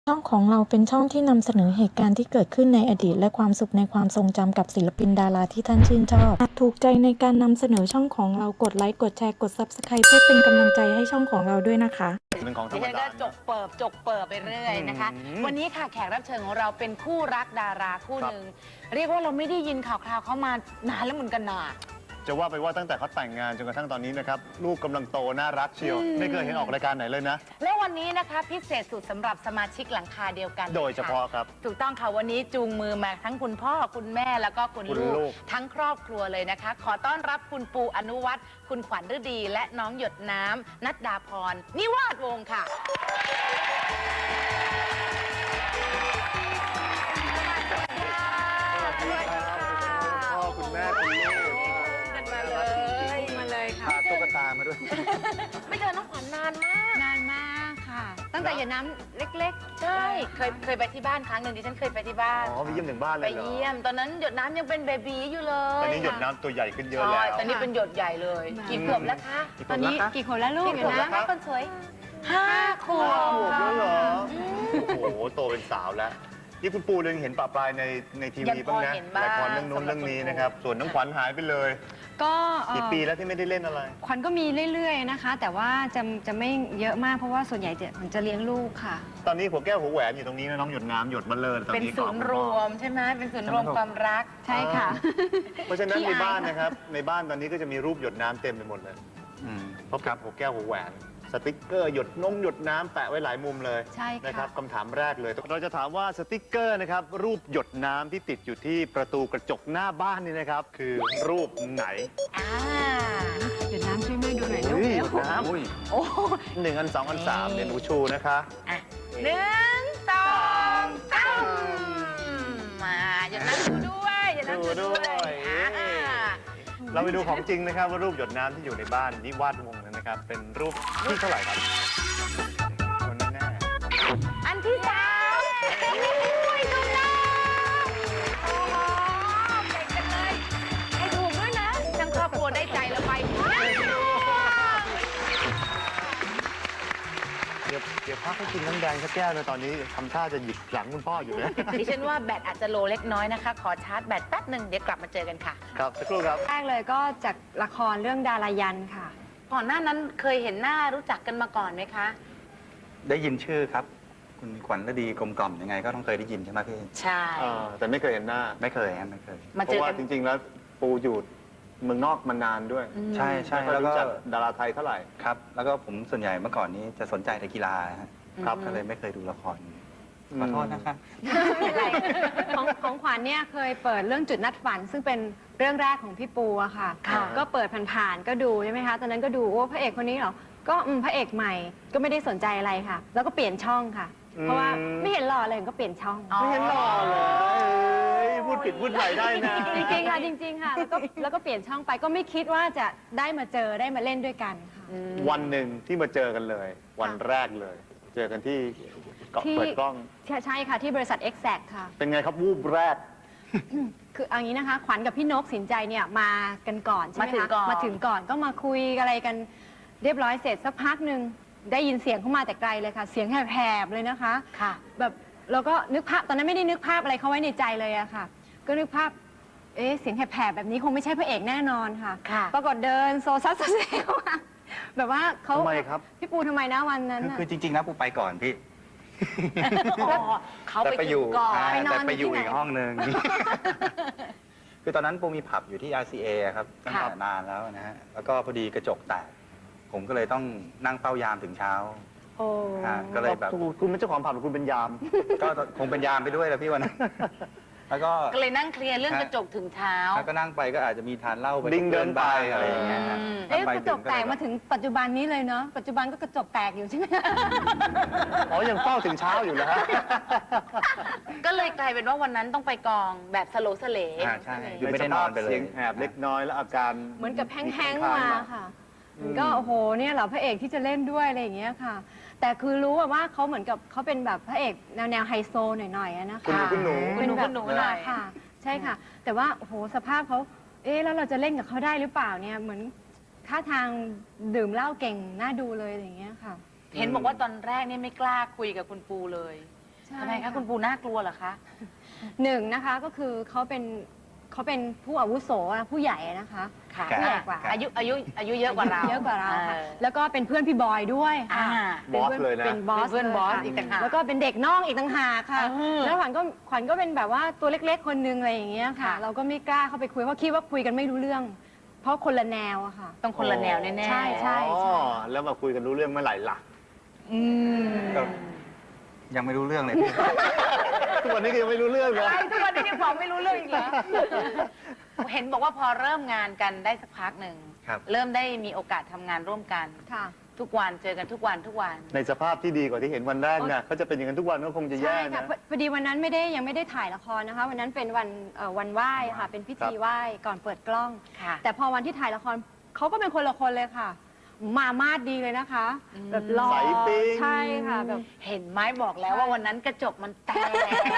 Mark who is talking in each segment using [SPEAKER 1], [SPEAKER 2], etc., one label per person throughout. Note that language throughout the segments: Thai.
[SPEAKER 1] ช่องของเราเป็นช่องที่นำเสนอเหตุการณ์ที่เกิดขึ้นในอดีตและความสุขในความทรงจำกับศิลปินดาราที่ท่านชื่นชอบหากถูกใจในการนำเสนอช่องของเรากดไลค์กดแชร์กด Subscribe เพื่อเป็นกำลังใจให้ช่องของเราด้วยนะคะ
[SPEAKER 2] เป็นของธร
[SPEAKER 3] ดิฉันก็
[SPEAKER 2] รมดา
[SPEAKER 3] จกเปิบไปเรื่อยนะคะ วันนี้ค่ะแขกรับเชิญของเราเป็นคู่รักดาราคู่หนึ่งเรียกว่าเราไม่ได้ยินข่าวคราวเขามานานแล้วเหมือนกันนะ
[SPEAKER 2] จะว่าไปว่าตั้งแต่เขาแต่งงานจนกระทั่งตอนนี้นะครับลูกกำลังโตน่ารักเชียวไม่เคยเห็นออกรายการไหนเลยนะ
[SPEAKER 3] และวันนี้นะคะพิเศษสุดสำหรับสมาชิกหลังคาเดียวกัน
[SPEAKER 2] โดยเฉพาะครับ
[SPEAKER 3] ถูกต้องค่ะวันนี้จูงมือมาทั้งคุณพ่อคุณแม่แล้วก็คุณลูกทั้งครอบครัวเลยนะคะ ขอต้อนรับคุณปูอนุวัฒน์คุณขวัญฤดีและน้องหยดน้ำนัดดาพรนิวาสวงศ์ค่ะ
[SPEAKER 2] พ่อคุณแม่คุณลูก
[SPEAKER 3] มาเลยค่ะ
[SPEAKER 2] พาตุ๊กตามาด้วย
[SPEAKER 3] ไม่เจอน้องขวัญนานมาก
[SPEAKER 4] นานมากค่ะ ตั้งแต่อย่าน้ำเล็กๆ
[SPEAKER 3] ใช่เคยไปที่บ้านครั้งหนึ่งดิฉันเคยไปที่บ้าน
[SPEAKER 2] อ๋อไปเยี่ยมถึงบ้านเล
[SPEAKER 3] ไป
[SPEAKER 2] ยเหรอ
[SPEAKER 3] เยี่ยมตอนนั้นหยดน้ำยังเป็นเบบีอยู่เลย
[SPEAKER 2] ตอนนี้หยดน้ำตัวใหญ่ขึ้นเยอะ
[SPEAKER 3] ใช่
[SPEAKER 2] แล้ว
[SPEAKER 3] ตอนนี้เป็นหยดใหญ่เลย กี่ขวบแล้วคะ
[SPEAKER 4] ตอนนี้กี่คนแล้วลูก
[SPEAKER 3] กี่ขวบแล้วคะคนสวย5 ขวบ
[SPEAKER 2] ขวบแล้วเหรอโอ้โหโตเป็นสาวแล้วนี่คุณปูเองเห็นปะปลายในทีวีบ้างนะละครเรื่องนู้นเรื่องนี้นะครับส่วนน้องขวัญหายไปเลย
[SPEAKER 4] ก็
[SPEAKER 2] กี่ปีแล้วที่ไม่ได้เล่นอะไร
[SPEAKER 4] ขวัญก็มีเรื่อยๆนะคะ แต่ว่าจะไม่เยอะมากเพราะว่าส่วนใหญ่ขวัญจะเลี้ยงลูกค่ะ
[SPEAKER 2] ตอนนี้หัวแก้วหัวแหวนอยู่ตรงนี้นะน้องหยดน้ำหยดมาเลยตอน
[SPEAKER 3] เป็น
[SPEAKER 2] นี้
[SPEAKER 3] ศูนย์รวมใช่ไหมเป็นศูนย์รวมความรัก
[SPEAKER 4] ใช่ค่ะ
[SPEAKER 2] เพราะฉะนั้นในบ้านนะครับในบ้านตอนนี้ก็จะมีรูปหยดน้ำเต็มไปหมดเลยเพราะกับหัวแก้วหัวแหวนสติ๊กเกอร์หยดน้ำแปะไว้หลายมุมเลย
[SPEAKER 4] ใช่ค่ะ
[SPEAKER 2] นะครับคำถามแรกเลยเราจะถามว่าสติ๊กเกอร์นะครับรูปหยดน้ำที่ติดอยู่ที่ประตูกระจกหน้าบ้านนี่นะครับคือรูปไหน
[SPEAKER 4] เดี๋ยวน้ำช่วยแม่ดูหน่อยลูก
[SPEAKER 2] ห
[SPEAKER 4] เร็
[SPEAKER 2] ยว ดน้ำ
[SPEAKER 3] โอ้
[SPEAKER 2] หนึ่งอันสองอันสามเดี๋ยวหนูชูนะคะ
[SPEAKER 3] อ่ะ1 2 3มาหยดน้ำดูด้วยหยดน้ำดูด้วย
[SPEAKER 2] เราไปดูของจริงนะครับว่ารูปหยดน้ำที่อยู่ในบ้านนิวาสวงศ์นั้นนะครับเป็นรูปที่เท่าไหร่ครับคนแน่
[SPEAKER 3] อันที่3อุ้ยถูกต้องโอ้โหเก่งจังเลยให้ถูกด้วยนะทั้งครอบครัวได้ใจแล้วไป
[SPEAKER 2] เดี๋ยวพักให้กินน้ำแดงสักแก้วนะตอนนี้ทำท่าจะหยิบหลังคุณพ่ออยู่นะ
[SPEAKER 3] ดิฉันว่าแบตอาจจะโลเล็กน้อยนะคะ ขอชาร์จแบตแป๊บหนึ่งเดี๋ยวกลับมาเจอกันค่ะ
[SPEAKER 2] ครับสักครู่ครับ
[SPEAKER 4] แรกเลยก็จากละครเรื่องดารายันค่ะ
[SPEAKER 3] ก่อนหน้านั้นเคยเห็นหน้ารู้จักกันมาก่อนไหมคะ
[SPEAKER 5] ได้ยินชื่อครับ คุณขวัญฤดีกลมกล่อมยังไงก็ต้องเคยได้ยินใช่ไหมพี่
[SPEAKER 3] ใช่
[SPEAKER 2] แต่ไม่เคยเห็นหน้า
[SPEAKER 5] ไม่เคยครับไม่เคย
[SPEAKER 3] มา
[SPEAKER 2] เพ
[SPEAKER 3] เจอ
[SPEAKER 2] ราะว่า
[SPEAKER 3] กัน
[SPEAKER 2] จริง ๆ แล้วปูอยู่เมืองนอกมานานด้วย
[SPEAKER 5] ใช่ใช่
[SPEAKER 2] ไม่ค่อย
[SPEAKER 5] แล้วก็
[SPEAKER 2] รู้จักดาราไทยเท่าไหร่
[SPEAKER 5] ครับ แล้วก็ผมส่วนใหญ่เมื่อก่อนนี้จะสนใจแต่กีฬาฮะ
[SPEAKER 2] ครับ
[SPEAKER 5] ก็เลยไม่เคยดูละครขอโทษนะครับ
[SPEAKER 4] ไม่เป็นไรของขวัญเนี่ยเคยเปิดเรื่องจุดนัดฝัน ซึ่งเป็นเรื่องแรกของพี่ปูอะค่ะ
[SPEAKER 3] ค่ะ
[SPEAKER 4] ก็เปิดผ่านๆก็ดูใช่ไหมคะตอนนั้นก็ดูโอ้พระเอกคนนี้เหรอก็พระเอกใหม่ก็ไม่ได้สนใจอะไรค่ะ แล้วก็เปลี่ยนช่องค่ะ เพราะว่าไม่เห็นหล่อเลยก็เปลี่ยนช่อง
[SPEAKER 2] ไม่เห็นหล่อเลยพูดผิดพูดใหม่ได้นะ
[SPEAKER 4] จริงๆค่ะจริงๆค่ะแล้วก็เปลี่ยนช่องไปก็ไม่คิดว่าจะได้มาเจอได้มาเล่นด้วยกันค่ะ
[SPEAKER 2] วันหนึ่งที่มาเจอกันเลย วันแรกเลย เจอกันที่เกาะ
[SPEAKER 4] ที่
[SPEAKER 2] เปิดกล้อง
[SPEAKER 4] ใช่ค่ะที่บริษัท Exact ค่ะ
[SPEAKER 2] เป็นไงครับวูบแรก
[SPEAKER 4] คือเอางี้นะคะขวัญกับพี่นกสินใจเนี่ยมากันก่อนใช่ไหม
[SPEAKER 3] มาถึง
[SPEAKER 4] คะ
[SPEAKER 3] ก่อน
[SPEAKER 4] มาถึงก่อนก็มาคุยอะไรกันเรียบร้อยเสร็จสักพักหนึ่งได้ยินเสียงเข้ามาแต่ไกลเลยค่ะ เสียงแหบๆเลยนะคะ
[SPEAKER 3] ค่ะ
[SPEAKER 4] แบบเราก็นึกภาพตอนนั้นไม่ได้นึกภาพอะไรเขาไว้ในใจเลยอะค่ะ ก็นึกภาพเสียงแหบๆแบบนี้คงไม่ใช่พระเอกแน่นอนค่ะ
[SPEAKER 3] ค่ะ
[SPEAKER 4] ปรากฏเดินโซซัสโซเซเข้ามาแบบว่าเขา
[SPEAKER 2] ทำไมครับ
[SPEAKER 4] พี่ปูทำไมนะวันนั้นน่ะ
[SPEAKER 5] คือจริงๆนะปูไปก่อนพี่
[SPEAKER 3] อ๋อเขาไปถึงก่อน
[SPEAKER 4] ไปนอน
[SPEAKER 5] แต่ไปอยู่
[SPEAKER 4] ที่ไหน
[SPEAKER 5] อีกห้องหนึ่ง คือตอนนั้นปูมีผับอยู่ที่ RCA ครับตั้งแต่นานแล้วนะฮะ แล้วก็พอดีกระจกแตก ผมก็เลยต้องนั่งเฝ้ายามถึงเช้า
[SPEAKER 4] โอ้
[SPEAKER 5] ก็เลยแบบ
[SPEAKER 2] คุณเป็นเจ้าของผับหรือคุณเป็นยาม
[SPEAKER 5] ก็คงเป็นยามไปด้วยแหละพี่วันนั้น แล้วก็
[SPEAKER 3] ก็เลยนั่งเคลียร์เรื่องกระจกถึงเท้า
[SPEAKER 5] แล้วก็นั่งไปก็อาจจะมีทานเหล้าไป
[SPEAKER 2] ดิ้งเดินไป
[SPEAKER 5] อะไรอย่างเงี้ยฮะ
[SPEAKER 4] กระจกแตกมาถึงปัจจุบันนี้เลยเนาะปัจจุบันก็กระจกแตกอยู่ใช่ไหม
[SPEAKER 2] อ๋อยังเฝ้าถึงเช้าอยู่นะฮะ
[SPEAKER 3] ก็เลยกลายเป็นว่าวันนั้นต้องไปกองแบบสโลว์สเล
[SPEAKER 5] ใช่อยู่ไม่ได้นอนไปเลย
[SPEAKER 2] เสียงแหบเล็กน้อยแล้วอาการ
[SPEAKER 4] เหมือนกับแห้งๆมาค่ะมันก็โอ้โหเนี่ยเหรอพระเอกที่จะเล่นด้วยอะไรอย่างเงี้ยค่ะ แต่คือรู้ว่าเขาเหมือนกับเขาเป็นแบบพระเอกแนวไฮโซหน่อยๆอะนะคะ
[SPEAKER 2] คุณหนู
[SPEAKER 3] คุณหนู
[SPEAKER 4] เป็
[SPEAKER 3] คุณหนูหน่อย
[SPEAKER 4] ค่ะ ใช่ค่ะ แต่ว่าโอ้โหสภาพเขาแล้วเราจะเล่นกับเขาได้หรือเปล่าเนี่ยเหมือนท่าทางดื่มเหล้าเก่งน่าดูเลยอะไรอย่างเงี้ยค่ะ
[SPEAKER 3] เห็นบอกว่าตอนแรกเนี่ยไม่กล้าคุยกับคุณปูเลย
[SPEAKER 4] ใช่
[SPEAKER 3] ทำไมคะคุณปูน่ากลัวเหรอคะ
[SPEAKER 4] หนึ่งนะคะก็คือเขาเป็นผู้อาวุโสอะผู้ใหญ่นะคะ
[SPEAKER 3] ค่ะ
[SPEAKER 4] ผู้ใหญ่กว่า
[SPEAKER 3] อายุเยอะกว่าเรา
[SPEAKER 4] เยอะกว่าเราค่ะ
[SPEAKER 3] ออ
[SPEAKER 4] แล้วก็เป็นเพื่อนพี่บอยด้วย
[SPEAKER 3] อ่า
[SPEAKER 4] ค่ะ
[SPEAKER 2] บอสเลยนะ
[SPEAKER 4] เป็นบอส
[SPEAKER 3] เป็นเพื่อนบอส
[SPEAKER 4] ลยค่ะ
[SPEAKER 3] อีกต่างหาก
[SPEAKER 4] แล้วก็เป็นเด็กน้องอีกต่างหากค่ะ
[SPEAKER 3] อืม
[SPEAKER 4] แล้วขวัญก็เป็นแบบว่าตัวเล็กๆคนนึงอะไรอย่างเงี้ยค่ะ
[SPEAKER 3] ค่ะ
[SPEAKER 4] เราก็ไม่กล้าเข้าไปคุยเพราะคิดว่าคุยกันไม่รู้เรื่อง เพราะคนละแนวอะค่ะ
[SPEAKER 3] ต้องคนละแนวแน่ๆ
[SPEAKER 4] ใช่ใช่
[SPEAKER 2] อ๋อแล้วมาคุยกันรู้เรื่องเมื่อไหร่ล่ะ
[SPEAKER 3] อืม
[SPEAKER 5] ก็ยังไม่รู้เรื่องเลยพี่
[SPEAKER 2] ทุกวันนี้ก็ยังไม่รู้เรื่องเลย
[SPEAKER 3] อะไรทุกวันนี้ยังบอกไม่รู้เรื่องอีกเหรอ เห็นบอกว่าพอเริ่มงานกันได้สักพักหนึ่ง
[SPEAKER 5] ครับ
[SPEAKER 3] เริ่มได้มีโอกาสทำงานร่วมกัน
[SPEAKER 4] ค่ะ
[SPEAKER 3] ทุกวันเจอกันทุกวัน
[SPEAKER 2] ในสภาพที่ดีกว่าที่เห็นวันแรกนะเขาจะเป็นอย่างนั้นทุกวันก็คงจะแย่
[SPEAKER 4] ใช่ค่ะ
[SPEAKER 2] นะ
[SPEAKER 4] พอดีวันนั้นยังไม่ได้ถ่ายละครนะคะ วันนั้นเป็นวันไหว้ค่ะ เป็นพิธีไหว้ก่อนเปิดกล้อง
[SPEAKER 3] ค่ะ
[SPEAKER 4] แต่พอวันที่ถ่ายละครเขาก็เป็นคนละคนเลยค่ะ มามาดดีเลยนะคะ แบบหล่อ
[SPEAKER 2] ใสปิ๊ง
[SPEAKER 4] ใช่ค่ะแบบ
[SPEAKER 3] เห็นไหมบอกแล้วว่าวันนั้นกระจกมันแตก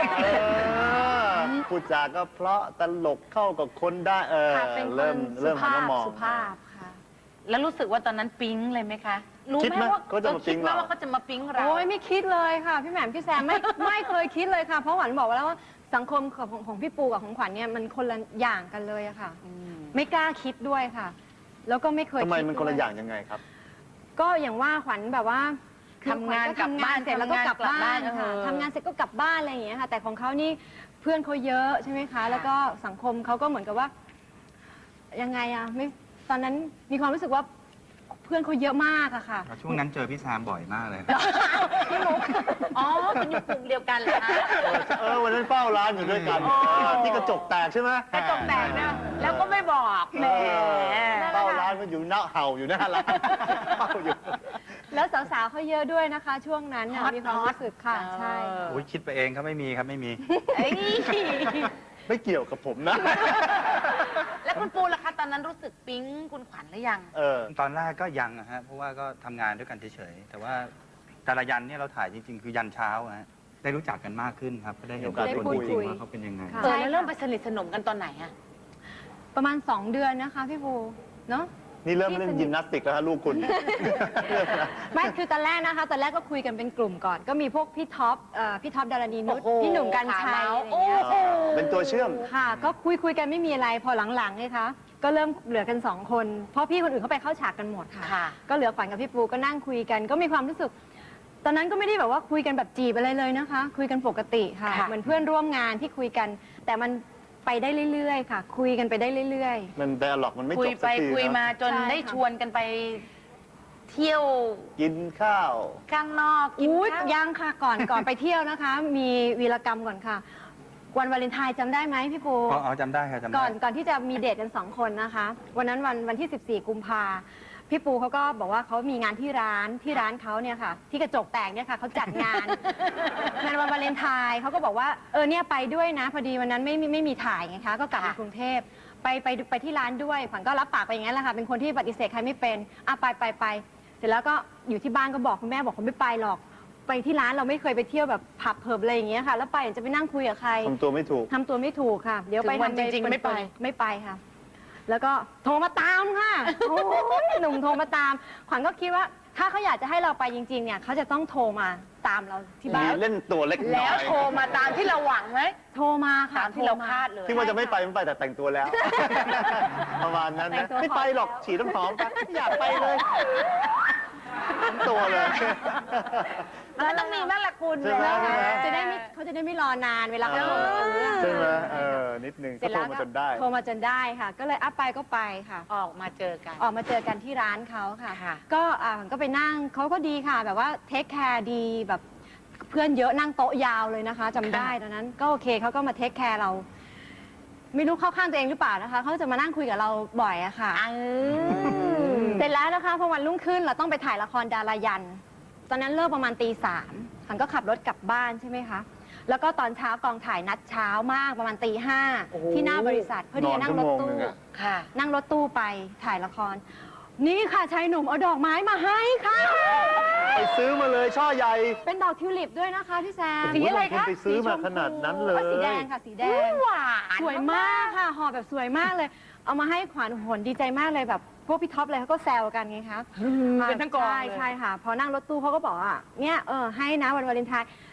[SPEAKER 2] พูดจาก็เพราะตลกเข้ากับคนได้
[SPEAKER 4] ค่ะเป็นคน
[SPEAKER 2] เริ่มหันมามอง
[SPEAKER 4] สุภาพค่ะ
[SPEAKER 3] แล้วรู้สึกว่าตอนนั้นปิ๊งเลยไหมคะ รู้
[SPEAKER 2] คิด
[SPEAKER 3] ไห
[SPEAKER 2] ไห
[SPEAKER 3] ม
[SPEAKER 2] ม
[SPEAKER 3] ว่า
[SPEAKER 2] เขาจะมาปิ๊ง
[SPEAKER 3] คิดไหม
[SPEAKER 2] เรา
[SPEAKER 3] ว่าเขาจะมาปิ๊งเรา
[SPEAKER 4] โอ้ยไม่คิดเลยค่ะ พี่แหม่มพี่แซมไม่เคยคิดเลยค่ะ เพราะหวันบอกแล้วว่าสังคมของพี่ปูกับของขวัญเนี่ยมันคนละอย่างกันเลยอะค่ะ
[SPEAKER 3] อืม
[SPEAKER 4] ไม่กล้าคิดด้วยค่ะ แล้วก็ไม่เคย
[SPEAKER 2] ทำไม
[SPEAKER 4] คิด
[SPEAKER 2] มันคนละ
[SPEAKER 4] ด้วย
[SPEAKER 2] อย่างยังไงครับ
[SPEAKER 4] ก็อย่างว่าขวัญแบบว่าคือ
[SPEAKER 3] ทำงาน
[SPEAKER 4] ขวัญ
[SPEAKER 3] กลับบ้าน
[SPEAKER 4] เสร็จแล้วก็กลับบ้าน
[SPEAKER 3] ทำงานกลับบ้าน
[SPEAKER 4] ค่ะ
[SPEAKER 3] เออ
[SPEAKER 4] ทำงานเสร็จก็กลับบ้านอะไรอย่างเงี้ยค่ะ แต่ของเขานี่เพื่อนเขาเยอะใช่ไหมคะ แล้วก็สังคมเขาก็เหมือนกับว่า ยังไงอะไม่ตอนนั้นมีความรู้สึกว่าเพื่อนเขาเยอะมากอะค่ะ
[SPEAKER 5] ช่วงนั้นเจอพี่แซมบ่อยมากเลย
[SPEAKER 3] อ๋อเป็นอยู่กลุ่มเดียวกันเหรอคะ
[SPEAKER 2] วันนั้นเฝ้าร้านอยู่ด้วยกัน
[SPEAKER 3] อ๋อ
[SPEAKER 2] ที่กระจกแตกใช่ไหม
[SPEAKER 3] กระจกแตกนะแล้วก็ไม่บอกแหม
[SPEAKER 2] เฝ้าร้านมันอยู่หน้าเห่าอยู่หน้าร้านเฝ้าอยู่
[SPEAKER 4] แล้วสาวๆเขาเยอะด้วยนะคะ ช่วงนั้นน่ะมีความรู้สึกค่ะ ใช่
[SPEAKER 5] โอ้ยคิดไปเองครับไม่มีครับไม่มี
[SPEAKER 3] เอ้ย
[SPEAKER 2] ไม่เกี่ยวกับผมนะ
[SPEAKER 3] แล้วคุณปูล่ะคะตอนนั้นรู้สึกปิ๊งคุณขวัญหรือยัง
[SPEAKER 5] ตอนแรกก็ยังนะฮะเพราะว่าก็ทำงานด้วยกันเฉยๆแต่ว่าแต่ละยันเนี่ยเราถ่ายจริง ๆ คือยันเช้าฮะได้รู้จักกันมากขึ้นครับก็ได้เห็นตัวตนจริงๆว่าเขาเป็นยังไง
[SPEAKER 4] ค่ะ
[SPEAKER 3] แล้วเริ่มไปสนิทสนมกันตอนไหนอะ
[SPEAKER 4] ประมาณ 2 เดือนนะคะพี่ปูเนาะ
[SPEAKER 2] นี่เริ่มเล่นยิมนาสติกแล้วฮะลูกคุณ
[SPEAKER 4] ไม่คือตอนแรกนะคะตอนแรกก็คุยกันเป็นกลุ่มก่อน ก็มีพวกพี่ท็อปดารณีนุช
[SPEAKER 3] โอ้โห
[SPEAKER 4] พี่หนุ่มกัญชัย
[SPEAKER 3] โอ้
[SPEAKER 4] อะไรอย่าง
[SPEAKER 3] โห
[SPEAKER 4] เงี้ย
[SPEAKER 2] เป็นตัวเชื่อม
[SPEAKER 4] ค่ะ ก็คุยกันไม่มีอะไรพอหลังๆเลยคะก็เริ่มเหลือกัน 2 คน เพราะพี่คนอื่นเขาไปเข้าฉากกันหมดค่ะ
[SPEAKER 3] ค่ะ
[SPEAKER 4] ก็เหลือขวัญกับพี่ปูก็นั่งคุยกัน ก็มีความรู้สึก ตอนนั้นก็ไม่ได้แบบว่าคุยกันแบบจีบอะไรเลยนะคะ คุยกันปกติค่ะ
[SPEAKER 3] ค่ะ
[SPEAKER 4] เหมือนเพื่อนร่วมงานที่คุยกัน แต่มันไปได้เรื่อยๆค่ะ คุยกันไปได้เรื่อยๆ
[SPEAKER 2] มันไดอะล็อกมันไม่
[SPEAKER 3] คุ
[SPEAKER 2] จ
[SPEAKER 3] ย
[SPEAKER 2] บ
[SPEAKER 3] ไป
[SPEAKER 2] สักที
[SPEAKER 3] คุย
[SPEAKER 2] นะ
[SPEAKER 3] มาจน
[SPEAKER 4] ใช่ค่ะ
[SPEAKER 3] ได้ชวนกันไปเที่ยว
[SPEAKER 2] กินข้าว
[SPEAKER 3] ข้างนอกกิน
[SPEAKER 4] อุ๊ย
[SPEAKER 3] ข้าว
[SPEAKER 4] ยังค่ะก่อนไปเที่ยวนะคะ มีวีรกรรมก่อนค่ะ วันวาเลนไทน์จำได้ไหมพี่ปู
[SPEAKER 5] อ๋อจำได้ครับจำได้
[SPEAKER 4] ก่อนที่จะมีเดทกัน 2 คนนะคะ วันนั้นวันที่ 14 กุมภาพี่ปูเขาก็บอกว่าเขามีงานที่ร้านเขาเนี่ยค่ะ ที่กระจกแตกเนี่ยค่ะเขาจัดงาน งานวันวาเลนไทน์เขาก็บอกว่าเนี่ยไปด้วยนะ พอดีวันนั้นไม่มีถ่ายไงคะก็กลับมากรุงเทพไปที่ร้านด้วยขวัญก็รับปากไปอย่างนั้นแหละค่ะเป็นคนที่ปฏิเสธใครไม่เป็นไปเสร็จแล้วก็อยู่ที่บ้านก็บอกคุณแม่บอกเขาไม่ไปหรอก ไปที่ร้านเราไม่เคยไปเที่ยวแบบผับเพิบอะไรอย่างเงี้ยค่ะ แล้วไปจะไปนั่งคุยกับใคร
[SPEAKER 2] ทำตัวไม่ถูก
[SPEAKER 4] ทำตัวไม่ถูกค่ะ เดี๋ยวไป
[SPEAKER 3] ถึงวัน
[SPEAKER 4] ทำ
[SPEAKER 3] จริงๆไม่ไป
[SPEAKER 4] ไม่ไปค่ะ แล้วก็โทรมาตามค่ะ โอ้ยหนุ่มโทรมาตาม ขวัญก็คิดว่าถ้าเขาอยากจะให้เราไปจริงๆเนี่ยเขาจะต้องโทรมาตามเราที่บ้า
[SPEAKER 2] มี
[SPEAKER 4] น
[SPEAKER 2] เล่นตัวเล็กน้
[SPEAKER 3] แล้
[SPEAKER 2] อ
[SPEAKER 3] วย โทรมาตามที่เราหวังไหม
[SPEAKER 4] โทรมาค่ะ
[SPEAKER 3] ตามที่เรา
[SPEAKER 4] โทม
[SPEAKER 3] คาดเลย
[SPEAKER 2] ที่ว่าจะไม่ไปไม่ไปแต่แต่งตัวแล้ว ประมาณนั้น
[SPEAKER 4] แต่
[SPEAKER 2] นะ
[SPEAKER 4] งตัว
[SPEAKER 2] ไม่ไปหรอก
[SPEAKER 4] พอแล้ว
[SPEAKER 2] ฉีดน้ำหอมไปไม่อยากไปเลยทั้งตัวเลย
[SPEAKER 3] มันต้องมีบ้างละคุณ
[SPEAKER 2] ใช่ไหม
[SPEAKER 4] เขาจะได้ไม่รอนานเวลาเขาโทรมาซื้อ
[SPEAKER 2] ใช่ไหมนิดนึง
[SPEAKER 4] เสร็
[SPEAKER 2] ก็
[SPEAKER 4] จ
[SPEAKER 2] โท
[SPEAKER 4] แล้ว
[SPEAKER 2] รมาจนได้
[SPEAKER 4] โทรมาจนได้ค่ะ ก็เลยไปก็ไปค่ะ
[SPEAKER 3] ออกมาเจอกัน
[SPEAKER 4] ออกมาเจอกันที่ร้านเขาค่ะ
[SPEAKER 3] ค่ะ
[SPEAKER 4] ก็ผมก็ไปนั่งเขาก็ดีค่ะ แบบว่าเทคแคร์ดีแบบเพื่อนเยอะนั่งโต๊ะยาวเลยนะคะจำได้ตอนนั้นก็โอเคเขาก็มาเทคแคร์เรา ไม่รู้เข้าข้างตัวเองหรือเปล่านะคะเขาจะมานั่งคุยกับเราบ่อยอะค่ะเสร็จแล้วนะคะพอวันรุ่งขึ้นเราต้องไปถ่ายละครดารายัน ตอนนั้นเลิกประมาณตี 3ขันก็ขับรถกลับบ้านใช่ไหมคะแล้วก็ตอนเช้ากองถ่ายนัดเช้ามากประมาณตี
[SPEAKER 2] โอ้โห
[SPEAKER 4] 5ที่หน้าบริษัทเพื่อที่จะนั่งรถ
[SPEAKER 2] นอนชั่วโมง
[SPEAKER 4] ตู้
[SPEAKER 2] หนึ่งอะ
[SPEAKER 3] ค่ะ
[SPEAKER 4] นั่งรถตู้ไปถ่ายละคร นี่ค่ะชายหนุ่มเอาดอกไม้มาให้ค่ะ
[SPEAKER 2] ไปซื้อมาเลยช่อใหญ่
[SPEAKER 4] เป็นดอกทิวลิปด้วยนะคะพี่แซม
[SPEAKER 2] สีอะไรคะไปซื้อมาขนาดนั้นเลย
[SPEAKER 4] สีแดงค่ะสีแดง
[SPEAKER 3] หวาน
[SPEAKER 4] สวยมากค่ะห่อแบบสวยมากเลย เอามาให้ขวัญโหนดีใจมากเลยแบบพวกพี่ท็อปเลยเขาก็แซวกันไงคะ
[SPEAKER 3] เป็นทั้งกอง
[SPEAKER 4] ใช่
[SPEAKER 3] เลย
[SPEAKER 4] ใช่ค่ะ พอนั่งรถตู้เขาก็บอกว่าเนี่ยให้นะวันวาเลนไทน์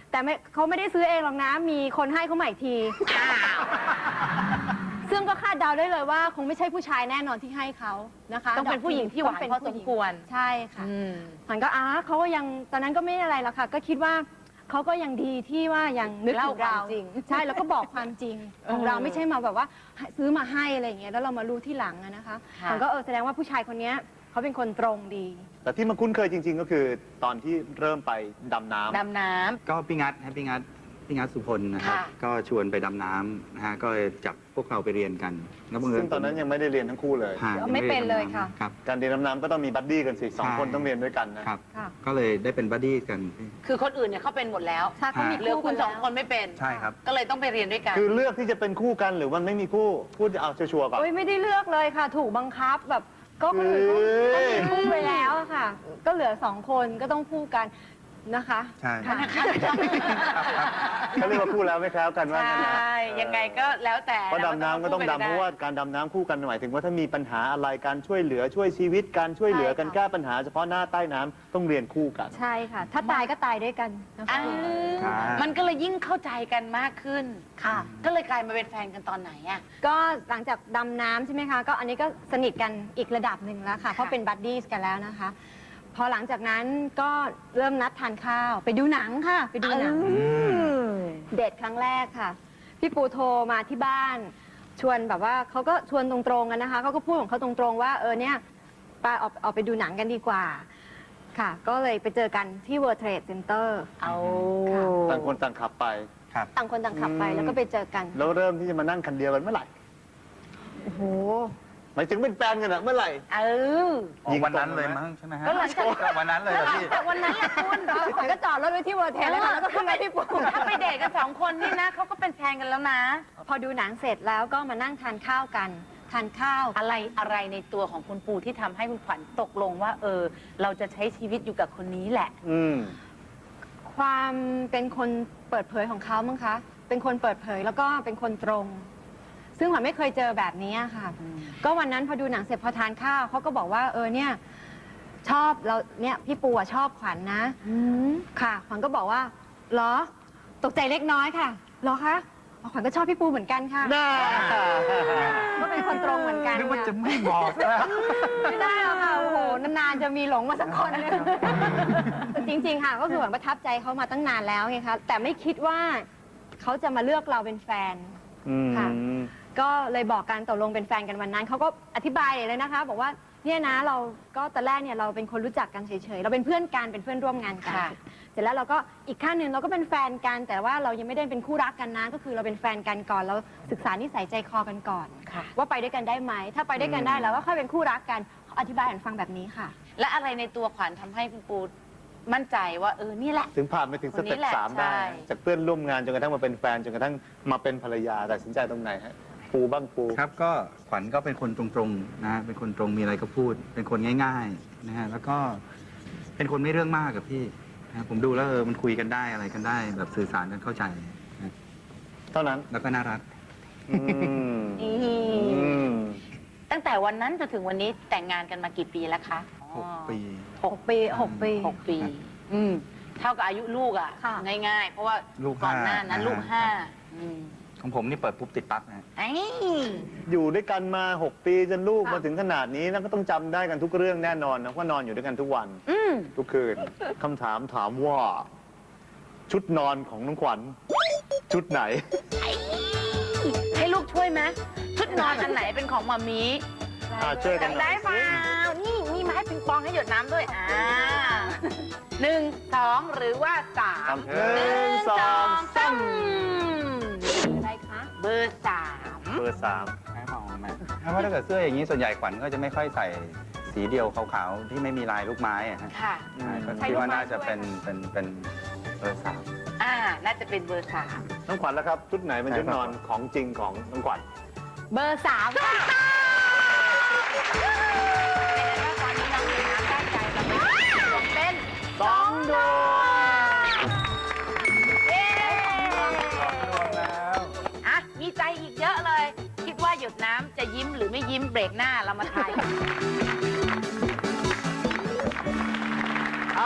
[SPEAKER 4] แต่เขาไม่ได้ซื้อเองหรอกนะ มีคนให้เขามาอีกที ซึ่งก็คาดเดาได้เลยว่าคงไม่ใช่ผู้ชายแน่นอนที่ให้เขานะคะ
[SPEAKER 3] ต้องเป็นผู้หญิงที่หวานพอสมควร
[SPEAKER 4] ใช่ค่ะ
[SPEAKER 3] อืม
[SPEAKER 4] ขวัญก็เขาก็ยังตอนนั้นก็ไม่อะไรหรอกค่ะ ก็คิดว่าเขาก็ยังดีที่ว่ายังนึกถึง
[SPEAKER 3] เล่า
[SPEAKER 4] เรา
[SPEAKER 3] ความจริง
[SPEAKER 4] ใช่แล้วก็บอกความจริงของเราไม่ใช่มาแบบว่าซื้อมาให้อะไรอย่างเงี้ยแล้วเรามารู้ที่หลังอะนะคะขวัญก็แสดงว่าผู้ชายคนเนี้ยเขาเป็นคนตรงดี
[SPEAKER 2] แต่ที่มาคุ้นเคยจริง ๆ ก็คือตอนที่เริ่มไปดำน้ำ
[SPEAKER 3] ดำน้
[SPEAKER 5] ก็พี่งัดสุพลนะครับ
[SPEAKER 3] ค่ะ
[SPEAKER 5] ก็ชวนไปดำน้ำนะฮะก็เลยจับพวกเราไปเรียนกันแล้วบังเอิญ
[SPEAKER 2] ซึ่งตอนนั้นยังไม่ได้เรียนทั้งคู่เลย
[SPEAKER 5] ฮะ
[SPEAKER 4] ไม่เป็นเลยค่ะ
[SPEAKER 5] ครับ
[SPEAKER 2] การเรียนดำน้ำก็ต้องมีบัดดี้กันสิสอง
[SPEAKER 5] ใช่
[SPEAKER 2] คนต้องเรียนด้วยกันนะ
[SPEAKER 5] ครับ
[SPEAKER 4] ค่ะ
[SPEAKER 5] ก็เลยได้เป็นบัดดี้กัน
[SPEAKER 3] ำคือคนอื่นเนี่ยเขาเป็นหมดแล้ว
[SPEAKER 4] ใช่เขามี
[SPEAKER 3] เหลือ
[SPEAKER 4] คู่
[SPEAKER 3] คุณ
[SPEAKER 4] กัน
[SPEAKER 3] สอง
[SPEAKER 4] แล้ว
[SPEAKER 3] คนไม่เป็น
[SPEAKER 5] ใช่ครับ
[SPEAKER 3] ก็เลยต้องไปเรียนด้วยกัน
[SPEAKER 2] คือเลือกที่จะเป็นคู่กันหรือมันไม่มีคู่พูดเอาชัวร์ๆก่อน
[SPEAKER 4] โอ้ยไม่ได้เลือกเลยค่ะ ถูกบังคับแบบก็คนอื่นเขามีคู่ไปแล้วอะค่ะ ก็เหลือ2 คนก็ต้องคู่กันนะคะ
[SPEAKER 5] ใช่
[SPEAKER 4] ค่ะ
[SPEAKER 2] เขาเรียกว่าคู่แล้วไม่แคล้วกันว่า
[SPEAKER 3] ใช
[SPEAKER 2] งั้นนะ
[SPEAKER 3] ่ ยังไงก็แล้วแต่
[SPEAKER 2] เพราะดำน้ำก็ต้องดำเพราะว่าการดำน้ำคู่กันหมายถึงว่าถ้ามีปัญหาอะไรการช่วยเหลือช่วยชีวิตการช่วยเหลือกัน
[SPEAKER 4] ใช่ค่ะ
[SPEAKER 2] แก้ปัญหาเฉพาะหน้าใต้น้ำต้องเรียนคู่กัน
[SPEAKER 4] ใช่ค่ะ ถ้าตายก็ตายด้วยกันนะคะ
[SPEAKER 3] อ่า
[SPEAKER 5] ใช่
[SPEAKER 3] มันก็เลยยิ่งเข้าใจกันมากขึ้น
[SPEAKER 4] ค่ะ
[SPEAKER 3] ก็เลยกลายมาเป็นแฟนกันตอนไหนอ่ะ
[SPEAKER 4] ก็หลังจากดำน้ำใช่ไหมคะ ก็อันนี้ก็สนิทกันอีกระดับหนึ่งแล้วค่ะ เพราะเป็นบัดดี้กันแล้วนะคะ พอหลังจากนั้นก็เริ่มนัดทานข้าว ไปดูหนังค่ะ ไปดูหนัง เดทครั้งแรกค่ะ พี่ปูโทรมาที่บ้าน ชวนแบบว่าเขาก็ชวนตรงๆกันนะคะเขาก็พูดของเขาตรงๆว่าเนี่ยไปออกไปดูหนังกันดีกว่าค่ะ ก็เลยไปเจอกันที่ World Trade Center
[SPEAKER 3] เอา
[SPEAKER 4] ค่ะ
[SPEAKER 2] ต่างคนต่างขับไป
[SPEAKER 5] ครับ
[SPEAKER 4] ต่างคนต่างขับไปแล้วก็ไปเจอกัน
[SPEAKER 2] แล้วเริ่มที่จะมานั่งคันเดียวกันเมื่อไหร่
[SPEAKER 4] โอ้โห
[SPEAKER 2] หมายถึงเป็นแฟนกันอะเมื่อไหร่
[SPEAKER 3] เออ
[SPEAKER 5] ยิงวันนั้นเลยมั้งใช่ไหมฮะ
[SPEAKER 3] ก็หลังจาก
[SPEAKER 5] ก็วันนั้นเลยเหรอพี่
[SPEAKER 3] แต่วันนั้นแหละคุณ
[SPEAKER 4] ขวัญก็จอดรถไว้ที่ World Trade เลยค่ะแล้วก็ขึ้นไปที่ปู
[SPEAKER 3] ถ้าไปเดทกันสองคนนี่นะเขาก็เป็นแฟนกันแล้วนะ
[SPEAKER 4] พอดูหนังเสร็จแล้วก็มานั่งทานข้าวกัน ทานข้าว
[SPEAKER 3] อะไรในตัวของคุณปูที่ทำให้คุณขวัญตกลงว่าเราจะใช้ชีวิตอยู่กับคนนี้แหละ
[SPEAKER 2] อืม
[SPEAKER 4] ความเป็นคนเปิดเผยของเขามั้งคะ เป็นคนเปิดเผยแล้วก็เป็นคนตรง ซึ่งขวัญไม่เคยเจอแบบนี้ค่ะ ก็วันนั้นพอดูหนังเสร็จพอทานข้าวเขาก็บอกว่าเนี่ยชอบเราเนี่ยพี่ปูชอบขวัญนะค่ะ ขวัญก็บอกว่าเหรอตกใจเล็กน้อยค่ะเหรอคะอ๋อขวัญก็ชอบพี่ปูเหมือนกันค่ะ
[SPEAKER 2] น่า
[SPEAKER 4] ก็เป็นคนตรงเหมือนกัน
[SPEAKER 5] นึกว่า
[SPEAKER 4] ค่ะ
[SPEAKER 5] จะไม่บอกนะ
[SPEAKER 4] ไม่ได้หรอกค่ะโอ้โหนานๆจะมีหลงมาสักคนนึงแต่จริงๆค่ะก็คือเหมือนประทับใจเขามาตั้งนานแล้วไงคะแต่ไม่คิดว่าเขาจะมาเลือกเราเป็นแฟน ค่ะ ก็เลยบอกกันตกลงเป็นแฟนกันวันนั้นเขาก็อธิบายเลยนะคะ บอกว่าเนี่ยนะเราก็ตอนแรกเนี่ยเราเป็นคนรู้จักกันเฉยๆเราเป็นเพื่อนกันเป็นเพื่อนร่วมงานกัน
[SPEAKER 3] ค่ะ
[SPEAKER 4] เสร็จแล้วเราก็อีกขั้นหนึ่งเราก็เป็นแฟนกัน แต่ว่าเรายังไม่ได้เป็นคู่รักกันนะก็คือเราเป็นแฟนกันก่อนเราศึกษานิสัยใจคอกันก่อน
[SPEAKER 3] ค่ะ
[SPEAKER 4] ว่าไปด้วยกันได้ไหมถ้าไปด้วยกันได้แล้วก็ค่อยเป็นคู่รักกันเขาอธิบายให้ฟังแบบนี้ค่ะ
[SPEAKER 3] และอะไรในตัวขวัญทำให้คุณปูมั่นใจว่านี่แหละ
[SPEAKER 2] ถึงผ่านไปถึงสเต็ป
[SPEAKER 3] คนนี้แหละ
[SPEAKER 2] 3ได้
[SPEAKER 3] ใช่
[SPEAKER 2] จากเพื่อนร่วมงานจนกระทั่งมาเป็นแฟนจนกระทั่งมาเป็นภรรยาตัดสินใจตรงไหนฮะปูบ้างปู
[SPEAKER 5] ครับก็ขวัญก็เป็นคนตรงๆนะเป็นคนตรงมีอะไรก็พูด เป็นคนง่ายๆนะฮะแล้วก็เป็นคนไม่เรื่องมากกับพี่นะผมดูแล้วมันคุยกันได้อะไรกันได้ แบบสื่อสารกันเข้าใจนะ
[SPEAKER 2] เท่านั้น
[SPEAKER 5] แล้วก็น่ารัก
[SPEAKER 2] อืมอืม
[SPEAKER 3] ตั้งแต่วันนั้นจนถึงวันนี้แต่งงานกันมากี่ปีแล้วคะ
[SPEAKER 5] 6 ปี
[SPEAKER 4] 6 ปี 6 ปี
[SPEAKER 3] 6 ปี เท่ากับอายุลูกอ่ะ
[SPEAKER 4] ค่ะ
[SPEAKER 3] ง่ายๆ เพราะว่า
[SPEAKER 5] ลูก
[SPEAKER 3] ก่อนหน้า
[SPEAKER 5] 5
[SPEAKER 3] นั้นลูก
[SPEAKER 5] ครับ
[SPEAKER 3] 5
[SPEAKER 5] ของผมนี่เปิดปุ๊บติดปั๊บนะฮะ
[SPEAKER 3] ไอ้
[SPEAKER 2] อยู่ด้วยกันมา 6 ปีจนลูก
[SPEAKER 4] ค่ะ
[SPEAKER 2] มาถึงขนาดนี้แล้วก็ต้องจำได้กันทุกเรื่องแน่นอนนะว่านอนอยู่ด้วยกันทุกวัน ทุกคืนคำถามถามว่า ชุดนอนของน้องขวัญชุดไหน
[SPEAKER 3] ให้ลูกช่วยไหมชุดนอนอันไหนเป็นของมามี
[SPEAKER 2] ช่วยกันหน่อย
[SPEAKER 3] ได้เปล่านี่มีไม้ปิงปองให้หยดน้ำด้วย1 2 หรือว่า 3
[SPEAKER 2] 1 2 3
[SPEAKER 4] อะไรคะ
[SPEAKER 3] เบอร์
[SPEAKER 2] เบอร์
[SPEAKER 5] แค่มองไหมเพราะถ้าเกิดเสื้ออย่างนี้ส่วนใหญ่ขวัญก็จะไม่ค่อยใส่สีเดียวขาวๆที่ไม่มีลายลูกไม้อะฮะ
[SPEAKER 3] 3 ค่ะ
[SPEAKER 5] ใช่ก็คิดว่าน่าจะเป็นเบอร์ 3
[SPEAKER 3] น่าจะเป็นเบอร์
[SPEAKER 2] 3น้องขวัญแล้วครับ ชุดไหนเป็นชุดนอนของจริงของน้องขวัญ
[SPEAKER 3] 3 เบอร์ 3 ค่ะตอนนี้น้องหนูน้ำได้ใจเราเป็น
[SPEAKER 2] 2 ดวง
[SPEAKER 3] เย้มีใจอีกเยอะเลย คิดว่าหยดน้ำจะยิ้มหรือไม่ยิ้มเบรกหน้าเรามาทายกัน
[SPEAKER 2] อ้าว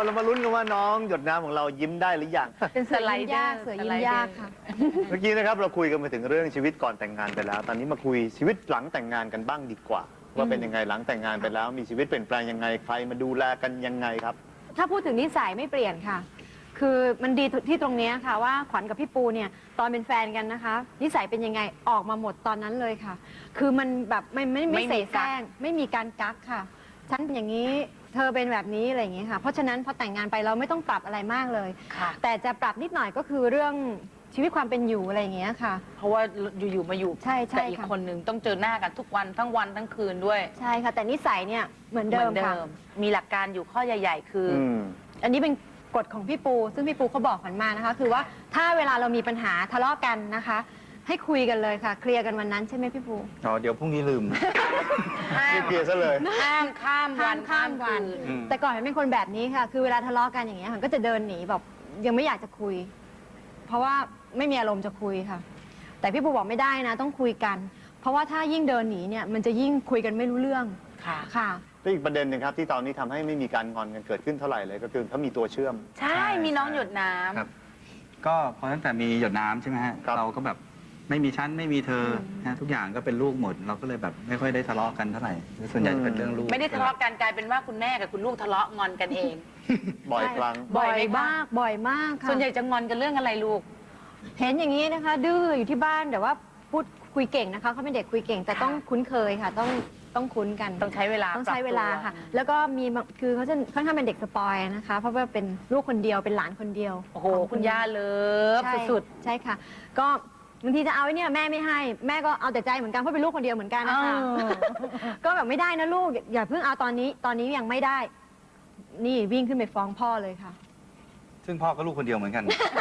[SPEAKER 2] เรามาลุ้นกันว่าน้องหยดน้ำของเรายิ้มได้หรือยัง
[SPEAKER 4] เป็นเสือยิ้มยากเสือยิ้มยากค่ะ
[SPEAKER 2] เมื่อกี้นะครับเราคุยกันมาถึงเรื่องชีวิตก่อนแต่งงานไปแล้ว ตอนนี้มาคุยชีวิตหลังแต่งงานกันบ้างดีกว่า ว่าเป็นยังไงหลังแต่งงานไปแล้ว มีชีวิตเปลี่ยนแปลงยังไงใครมาดูแลกันยังไงครับ
[SPEAKER 4] ถ้าพูดถึงนิสัยไม่เปลี่ยนค่ะ คือมันดีที่ตรงเนี้ยค่ะว่าขวัญกับพี่ปูเนี่ยตอนเป็นแฟนกันนะคะ นิสัยเป็นยังไงออกมาหมดตอนนั้นเลยค่ะ คือมันแบบไม่เสแสร้งไม่มีการกักค่ะ ฉันเป็นอย่างนี้เธอเป็นแบบนี้อะไรอย่างนี้ค่ะ เพราะฉะนั้นพอแต่งงานไปเราไม่ต้องปรับอะไรมากเลย
[SPEAKER 3] ค่ะ
[SPEAKER 4] แต่จะปรับนิดหน่อยก็คือเรื่องชีวิตความเป็นอยู่อะไรอย่างเงี้ยค่ะ
[SPEAKER 3] เพราะว่าอยู่ๆมาอยู่
[SPEAKER 4] ใช่ใช่
[SPEAKER 3] แต่อีก
[SPEAKER 4] ค่ะ
[SPEAKER 3] คนหนึ่งต้องเจอหน้ากันทุกวันทั้งวันทั้งคืนด้วย
[SPEAKER 4] ใช่ค่ะ แต่นิสัยเนี่ยเหมือนเดิมค่ะ
[SPEAKER 3] มีหลักการอยู่ข้อใหญ่ ๆ คืออ
[SPEAKER 4] อันนี้เป็นกฎของพี่ปู ซึ่งพี่ปูเขาบอกขวัญมานะคะ คือว่าถ้าเวลาเรามีปัญหาทะเลาะกันนะคะ ให้คุยกันเลยค่ะ เคลียร์กันวันนั้นใช่ไหมพี่ปู
[SPEAKER 5] อ๋อเดี๋ยวพรุ่งนี้ลืม
[SPEAKER 2] ไม่เคลียร์ซะเลย
[SPEAKER 3] ห้ามข้ามวัน
[SPEAKER 4] ข้ามวัน
[SPEAKER 5] อืม
[SPEAKER 4] แต่ก่อนมันเป็นคนแบบนี้ค่ะ คือเวลาทะเลาะกันอย่างเงี้ยมันก็จะเดินหนีแบบยังไม่อยากจะคุย เพราะว่าไม่มีอารมณ์จะคุยค่ะ แต่พี่ปูบอกไม่ได้นะ ต้องคุยกัน เพราะว่าถ้ายิ่งเดินหนีเนี่ยมันจะยิ่งคุยกันไม่รู้เรื่อง
[SPEAKER 3] ค่ะ
[SPEAKER 4] ค่ะ
[SPEAKER 2] และอีกประเด็นหนึ่งครับที่ตอนนี้ทำให้ไม่มีการงอนกันเกิดขึ้นเท่าไหร่เลยก็คือเขามีตัวเชื่อม
[SPEAKER 3] ใช่มีน้องหยดน้ำ
[SPEAKER 5] ครับ ก็พอตั้งแต่มีหยดน้ำใช่ไหมฮะ
[SPEAKER 2] ครับ
[SPEAKER 5] เราก็แบบไม่มีฉันไม่มีเธอนะทุกอย่างก็เป็นลูกหมด เราก็เลยแบบไม่ค่อยได้ทะเลาะกันเท่าไหร่ส่วนใหญ่จะเป็นเรื่องลูก
[SPEAKER 3] ไม่ได้ทะเลาะกันกลายเป็นว่าคุณแม่กับคุณลูกทะเลาะงอนกันเอง
[SPEAKER 2] บ่อยครั้ง
[SPEAKER 3] บ่อยไหมคะ
[SPEAKER 4] มากบ่อยมากค่ะ
[SPEAKER 3] ส่วนใหญ่จะงอนกันเรื่องอะไรลูก
[SPEAKER 4] เห็นอย่างนี้นะคะ ดื้ออยู่ที่บ้านแต่ว่าพูดคุยเก่งนะคะเขาเป็นเด็กคุยเก่ง แต่ต้องคุ้นเคยค่ะ ต้องคุ้นกัน
[SPEAKER 3] ต้องใช้เวลา
[SPEAKER 4] ต้องใช้เวลา
[SPEAKER 3] ปรับตัว
[SPEAKER 4] ค่ะ แล้วก็มีบางคือเขาจะค่อนข้างเป็นเด็กสปอยนะคะ เพราะว่าเป็นลูกคนเดียวเป็นหลานคนเดียว
[SPEAKER 3] โอ้โห
[SPEAKER 4] ของ
[SPEAKER 3] คุณย่าเลิฟ
[SPEAKER 4] ใช่
[SPEAKER 3] สุด
[SPEAKER 4] ใช่ค่ะ ก็บางทีจะเอาไอ้เนี่ยแม่ไม่ให้แม่ก็เอาแต่ใจเหมือนกันเพราะเป็นลูกคนเดียวเหมือนกันนะคะ ก็แบบไม่ได้นะลูกอย่าเพิ่งเอาตอนนี้ยังไม่ได้ นี่วิ่งขึ้นไปฟ้องพ่อเลยค่ะ
[SPEAKER 5] ซึ่งพ่อก็ลูกคนเดียวเหมือนกัน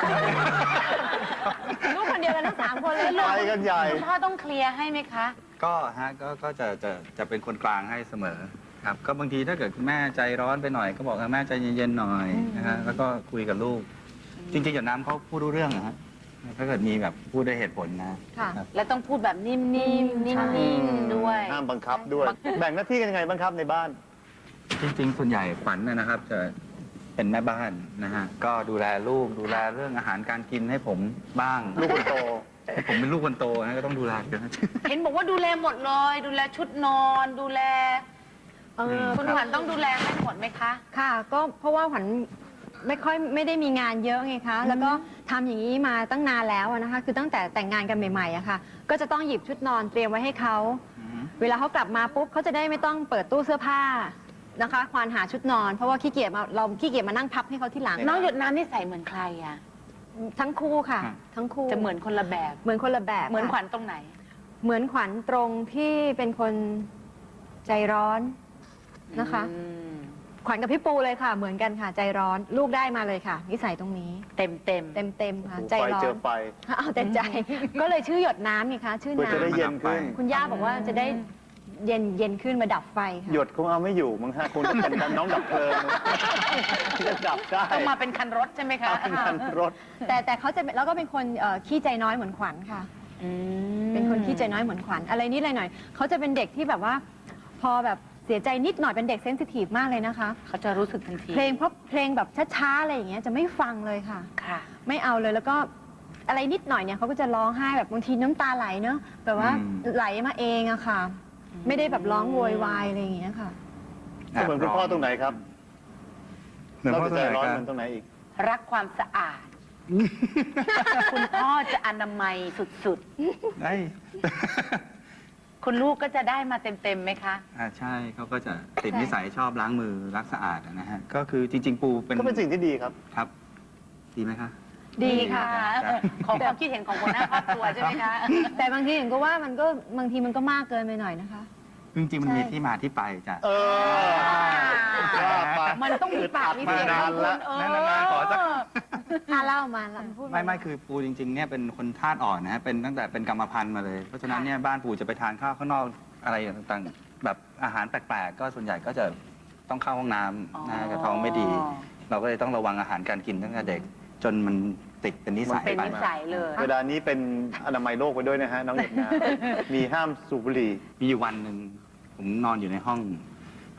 [SPEAKER 4] ลูกคนเดียวกันทั้ง3 คนเลย
[SPEAKER 2] ไปกันใหญ่
[SPEAKER 3] ๆคุณพ่อต้องเคลียร์ให้ไหมคะ
[SPEAKER 5] ก็ฮะก็จะเป็นคนกลางให้เสมอครับ ก็บางทีถ้าเกิดคุณแม่ใจร้อนไปหน่อยก็บอกแม่ใจเย็นๆหน่อยนะฮะแล้วก็คุยกับลูก จริงๆหยดน้ำเขาพูดรู้เรื่องนะฮะถ้าเกิดมีแบบพูดด้วยเหตุผลนะ
[SPEAKER 4] ค่ะ
[SPEAKER 5] ครับ
[SPEAKER 3] และต้องพูดแบบนิ่มๆนิ่
[SPEAKER 5] ใช่
[SPEAKER 3] งๆด้วย
[SPEAKER 2] ห้ามบังคับด้วย แบ่งหน้าที่กันยังไงบ้างครับในบ้าน
[SPEAKER 5] จริงๆ ส่วนใหญ่ขวัญนะครับจะเป็นแม่บ้านนะฮะก็ดูแลลูกดูแลเรื่องอาหารการกินให้ผมบ้าง
[SPEAKER 2] ลูกคนโต
[SPEAKER 5] ผมเป็นลูกคนโตนะก็ต้องดูแลกัน
[SPEAKER 3] เห็นบอกว่าดูแลหมดเลย ดูแลชุดนอน ดูแล คุณขวัญต้องดูแลให้หมดไหมคะ
[SPEAKER 4] ค่ะ ก็เพราะว่าขวัญไม่ได้มีงานเยอะไงคะ แล้วก็ทำอย่างนี้มาตั้งนานแล้วอะนะคะ คือตั้งแต่แต่งงานกันใหม่ๆอะค่ะ ก็จะต้องหยิบชุดนอนเตรียมไว้ให้เขา เวลาเขากลับมาปุ๊บเขาจะได้ไม่ต้องเปิดตู้เสื้อผ้านะคะ ควานหาชุดนอน เพราะว่าขี้เกียจมานั่งพับให้เขาที่หลัง
[SPEAKER 3] น้องหยดน้ำนี่ใส่เหมือนใครอ่ะ
[SPEAKER 4] ทั้งคู่ค่ะ
[SPEAKER 5] ครับ
[SPEAKER 4] ทั้งคู่
[SPEAKER 3] จะเหมือนคนละแบบ
[SPEAKER 4] เหมือนคนละแบบ
[SPEAKER 3] เหมือนขวั
[SPEAKER 4] ค่ะ
[SPEAKER 3] ญตรงไหน
[SPEAKER 4] เหมือนขวัญตรงที่เป็นคนใจร้อนนะคะ ขวัญกับพี่ปูเลยค่ะ เหมือนกันค่ะ ใจร้อนลูกได้มาเลยค่ะนิสัยตรงนี้
[SPEAKER 3] เต็ม
[SPEAKER 4] เต็มค่ะ ใจ
[SPEAKER 2] ไฟ
[SPEAKER 4] ร้อ
[SPEAKER 2] เจ
[SPEAKER 4] น
[SPEAKER 2] อไฟ
[SPEAKER 4] เอาแต่ใจ ก็เลยชื่อหยดน้ำไงคะชื่อ
[SPEAKER 2] เพื่อจะได้
[SPEAKER 4] น้ำ
[SPEAKER 2] เย็นขึ้น
[SPEAKER 4] คุณย่าบอกว่าจะได้เย็นขึ้นมาดับไฟค่ะ
[SPEAKER 2] หยดคงเอาไม่อยู่มั้งฮะคงจะเป็นน้องดับเพลิงที่จะดับได้
[SPEAKER 3] ต้องมาเป็นคันรถใช่ไหมคะ
[SPEAKER 2] เป็นคันรถ
[SPEAKER 4] แต่เขาจะแล้วก็เป็นคนขี้ใจน้อยเหมือนขวัญค่ะ เป็นคนขี้ใจน้อยเหมือนขวัญอะไรนิดอะไรหน่อยเขาจะเป็นเด็กที่แบบว่า พอแบบเสียใจนิดหน่อยเป็นเด็กเซนซิทีฟมากเลยนะคะ
[SPEAKER 3] เขาจะรู้สึกทันที
[SPEAKER 4] เพลงแบบช้าๆอะไรอย่างเงี้ยจะไม่ฟังเลยค่ะ
[SPEAKER 3] ค่ะ
[SPEAKER 4] ไม่เอาเลยแล้วก็อะไรนิดหน่อยเนี่ยเขาก็จะร้องไห้แบบบางทีน้ำตาไหลเนอะแบบว่าไหลมาเองอะค่ะ ไม่ได้แบบร้องโวยวายอะไรอย่างเงี้ยค่ะ
[SPEAKER 2] เหมือนคุณพ่อตรงไหนครับ
[SPEAKER 5] เหมือนพ่อตรงไหน
[SPEAKER 2] ร้อน
[SPEAKER 5] ค
[SPEAKER 2] เห
[SPEAKER 5] รับ
[SPEAKER 2] มือนตรงไหนอีก
[SPEAKER 3] รักความสะอาด คุณพ่อจะอนามัยสุด
[SPEAKER 5] ได้
[SPEAKER 3] ๆ คุณลูกก็จะได้มาเต็มๆไหมคะ
[SPEAKER 5] ใช่เขาก็จะติดนิสัยชอบล้างมือรักสะอาดนะฮะก็คือจริง ๆ ปูเป็น
[SPEAKER 2] ก็เป็นสิ่งที่ดีครับ
[SPEAKER 5] ครับ ดีไหมคะ
[SPEAKER 4] ดีค่ะ
[SPEAKER 3] ขอความคิดเห็นของหัวหน้าครอบครัวใช่ไหมคะ
[SPEAKER 4] แต่บางทีเห็นก็ว่ามันก็บางทีมันก็มากเกินไปหน่อยนะคะ
[SPEAKER 5] จริงๆมันมีที่มาที่ไปจ้ะ
[SPEAKER 2] เออว่าไป
[SPEAKER 3] มันต้องมีปากมีเสียง
[SPEAKER 2] มานานละ
[SPEAKER 5] นานๆขอสัก
[SPEAKER 4] เล่ามาแล้วพูด
[SPEAKER 5] ไม่คือปูจริงๆเนี่ยเป็นคนธาตุอ่อนนะฮะเป็นตั้งแต่เป็นกรรมพันธุ์มาเลย เพราะฉะนั้นเนี่ยบ้านปูจะไปทานข้าวข้างนอกอะไรต่างๆ แบบอาหารแปลกๆ ก็ส่วนใหญ่ก็จะต้องเข้าห้องน้ำนะกระท้องไม่ดี เราก็เลยต้องระวังอาหารการกินตั้งแต่เด็ก จนมันติดเป็นนิสัย
[SPEAKER 3] เป็น
[SPEAKER 5] ไป
[SPEAKER 3] นิสัยเลย
[SPEAKER 2] เวลานี้เป็นอนามัยโลกไปด้วยนะฮะน้องหยดน้ำมีห้ามสูบบุหรี่
[SPEAKER 5] มีอยู่วันหนึ่งผมนอนอยู่ในห้อง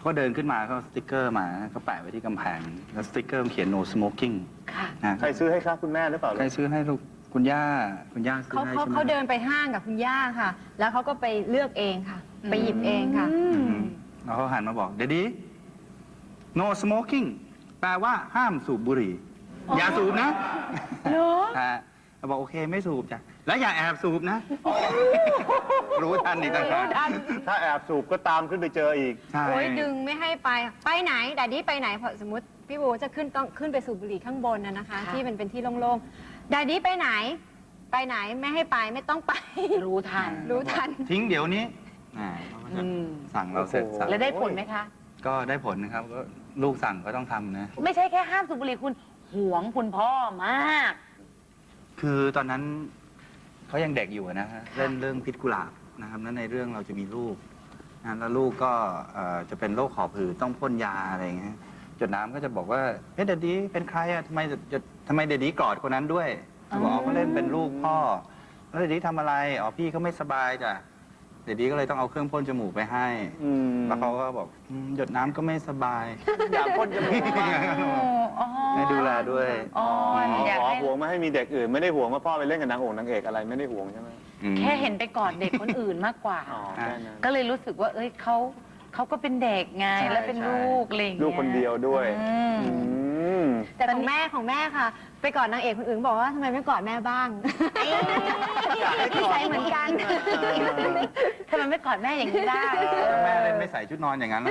[SPEAKER 5] เขาก็เดินขึ้นมาเขาเอาสติ๊กเกอร์มาเขาแปะไว้ที่กำแพงแล้วสติ๊กเกอร์มันเขียน no smoking
[SPEAKER 3] ค่ะ
[SPEAKER 5] นะ
[SPEAKER 2] ใครซื้อให้ครับคุณแม่หรือเปล่า
[SPEAKER 5] ใครซื้อให้ลูกคุณย่าซื้อ
[SPEAKER 4] เขา
[SPEAKER 5] ให้
[SPEAKER 4] เขา
[SPEAKER 5] ใช่ไหม
[SPEAKER 4] เขาเดินไปห้างกับคุณย่าค่ะ แล้วเขาก็ไปเลือกเองค่ะ ไปหยิบเองค่ะ
[SPEAKER 5] แล้วเขาหันมาบอกเดดดี้ no smoking แปลว่าห้ามสูบบุหรี่ อย่าสูบนะเราบอกโอเคไม่สูบจ้ะแล้วอย่าแอบสูบนะ รู้ทันอีกต่างหาก
[SPEAKER 2] ถ้าแอบสูบก็ตามขึ้นไปเจออีก
[SPEAKER 5] ใช่
[SPEAKER 4] โอ้ยดึงไม่ให้ไป ไปไหนแต่ดี้ไปไหนพอสมมติพี่บูจะขึ้นต้องขึ้นไปสูบบุหรี่ข้างบนนะคะ ที่มันเป็นที่โล่งๆดาดี้ไปไหน ไปไหนไม่ให้ไปไม่ต้องไป
[SPEAKER 3] รู้ทัน
[SPEAKER 4] รู้ทัน
[SPEAKER 5] ทิ้งเดี๋ยวนี้เขาก็จะสั่งเราเสร็จสับ
[SPEAKER 3] แล้วได้ผลไหมคะ
[SPEAKER 5] ก็ได้ผลนะครับก็ลูกสั่งก็ต้องทำนะ
[SPEAKER 3] ไม่ใช่แค่ห้ามสูบบุหรี่คุณหวงคุณพ่อมาก
[SPEAKER 5] คือตอนนั้นเขายังเด็กอยู่นะฮะเล่นเรื่องพิษกุหลาบนะครับแล้วในเรื่องเราจะมีลูกนะแล้วลูกก็จะเป็นโรคหอบหืดต้องพ่นยาอะไรอย่างเงี้ยจดน้ำก็จะบอกว่าเฮ้ยเดดดี้เป็นใครอะทำไมเดดดี้กอดคนนั้นด้วยบอกอ๋อเขาเล่นเป็นลูกพ่อแล้วเดดดี้ทำอะไรอ๋อพี่เขาไม่สบายจ้ะเดดดี้ก็เลยต้องเอาเครื่องพ่นจมูกไปให้แล้วเขาก็บอกหยดน้ำก็ไม่สบาย
[SPEAKER 2] อยากพ่นจมูกบ้าง
[SPEAKER 5] ให้ดูแลด้วย
[SPEAKER 3] อ๋ออยากให้
[SPEAKER 2] ห่วงไม่ให้มีเด็กอื่น ไม่ได้ห่วงว่าพ่อไปเล่นกับนางโอ่งนางเอกอะไรไม่ได้ห่วงใช่ไหม
[SPEAKER 3] แค่เห็นไปกอดเด็กคนอื่นมากกว่า
[SPEAKER 2] อ๋อแค่นั้น
[SPEAKER 3] ก็เลยรู้สึกว่า เอ้ยเขาก็เป็นเด็กไง
[SPEAKER 2] ใช่
[SPEAKER 3] แล้วเป็น
[SPEAKER 2] ใช่
[SPEAKER 3] ลูกอะไรอย่างเงี้ย
[SPEAKER 2] ลูกคนเดียวด้วย
[SPEAKER 3] อืม
[SPEAKER 2] อืม
[SPEAKER 4] แต่ของแม่ค่ะ ไปกอดนางเอกคนอื่นบอกว่าทำไมไม่กอดแม่บ้าง
[SPEAKER 2] อยากให้กอด
[SPEAKER 4] นิสัยเหมือนกัน
[SPEAKER 3] ทำไมไม่กอดแม่อย่างนี้ได้
[SPEAKER 5] แม่เล่นไม่ใส่ชุดนอนอย่างนั้นแล้ว